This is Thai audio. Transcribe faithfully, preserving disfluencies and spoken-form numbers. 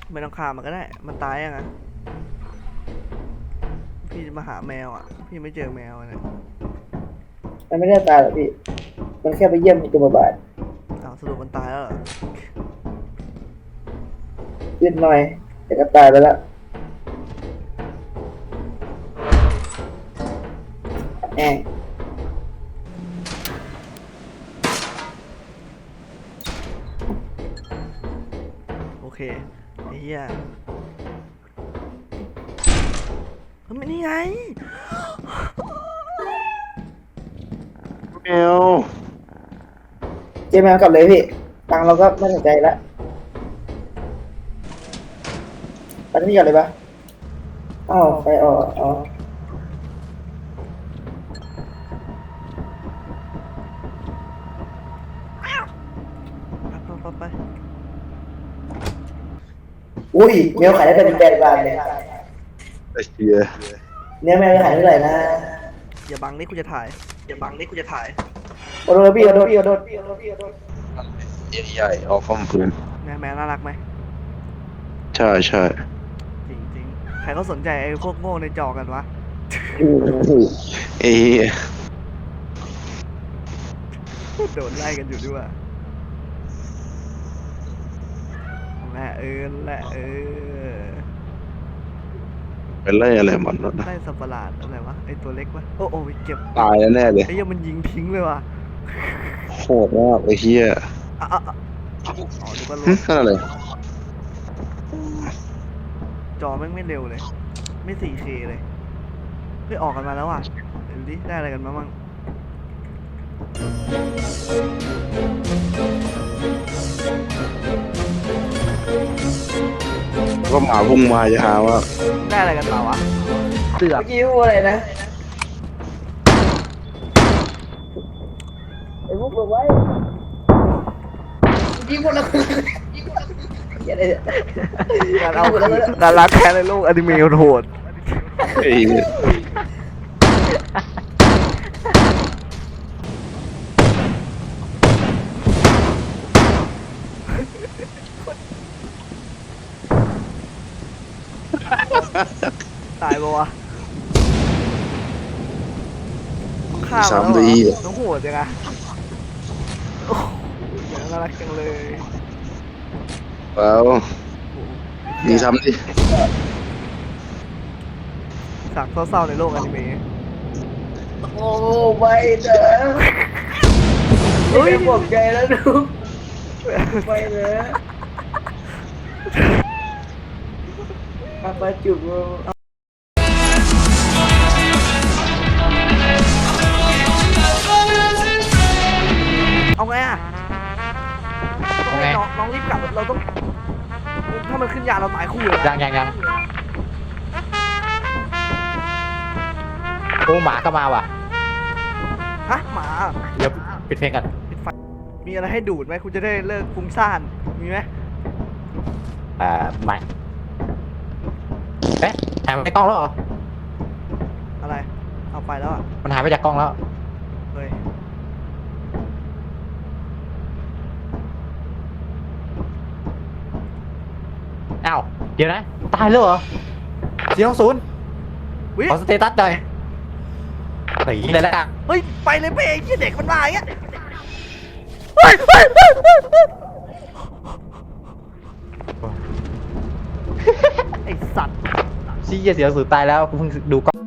ไม่ต้องฆ่ามันก็ได้มันตายยังไงพี่มาหาแมวอ่ะพี่ไม่เจอแมวเนี่ยมันไม่ได้ตายหรอกพี่มันแค่ไปเยี่ยมตัวบาบาดอ้าวสรุปมันตายแล้วเหรอยืดหน่อยแต่ก็ตายไปแล้วแองโอเคไอ้เหี้ยมันนี่ไงแมวเจมากลับเลยพี่ตังเราก็ไม่สนใจละไปที่ก่อนเลยปะอ้าวไปออกอ๋อไปไปไปอุ้ยเนื้อขายได้เป็นแปดบาทเลยไอ้เชี่ยเนื้อแมวขายเท่าไหร่นะอย่าบังนี่กูจะถ่ายอย่าบังนี่กูจะถ่ายโอโดนพี่โอโดนพี่โอโดนพี่โอโดนพี่โอโดนใหญ่ๆออกฟอมพื้นแมวแมวน่ารักไหมใช่ใช่จริงจริงใครเขาสนใจไอ้พวกโง่ในจอกันวะไอ้เหี้ยโดนไล่กันอยู่ด้วยแหละเออแหละเออเป็นไรอะไรมันวะนะไล่สัตว์ประหลาดอะไรวะไอ้ตัวเล็กวะโอ้โอ้เจ็บตายแล้วแน่เลยไอ้ยังมันยิงทิ้งเลยว่ะโหดมากไอ้เหี้ยอ่ะอ่ะอ่ะอ๋อดูว่าหึนั่นอะไรจอแม่งไม่เร็วเลยไม่ โฟร์เค เลยเฮ้ยออกกันมาแล้วอ่ะเดี๋ยวดิได้อะไรกันมาบ้างก็หมาพุ่งมาจะหาว่าได้อะไรกันมาวะเสือกเมื่อกี้พูดอะไรนะไอ้พวกบอกไว้ยิงคนละอย่าเลยการเอาการรักแค้นในโลกอนิเมะโหดไอ้เหี้ยตายปะวะข้าวสามแล้วเหรดีอน้องโหดจังอะโอ้โหน่ารักจังเลยเปล่ามีซ้ำดิสักเศร้าๆในโลกอนิเมะโอ้ไม่เด้อเฮ้ยบอกใจแล้วดูไม่เด้ออาปาจุบเอาไงอะต้องให้น้องน้องรีบกลับเราต้อง ถ้ามันขึ้นยาเราตายคู่เลยยังยังยังโอ้หมาก็มาว่ะฮะหมาเดี๋ยวปิดเพลงกันปิดไฟมีอะไรให้ดูดไหมคุณจะได้เลิกฟุ้งซ่านมีไหมอ่าไม่เอ๊ะหายไปกล้องแล้วเหรออะไรเอาไปแล้วอ่ะมันหายไปจากกล้องแล้วเฮ้ยอ้าวเดี๋ยวนะตายแล้วเหรอสี่สองศูนย์วิขอสเตตัสหน่อยหนีเลยแล้วกันเฮ้ยไปเลยไปไอ้ที่เด็กมันมาอย่างเงี้ยเฮ้ยเฮ้ยเฮ้ยเฮ้ยเฮ้ยไอ้สัตว์ชี้เสียงสูญตายแล้วกูเพิ่งดูกล้อง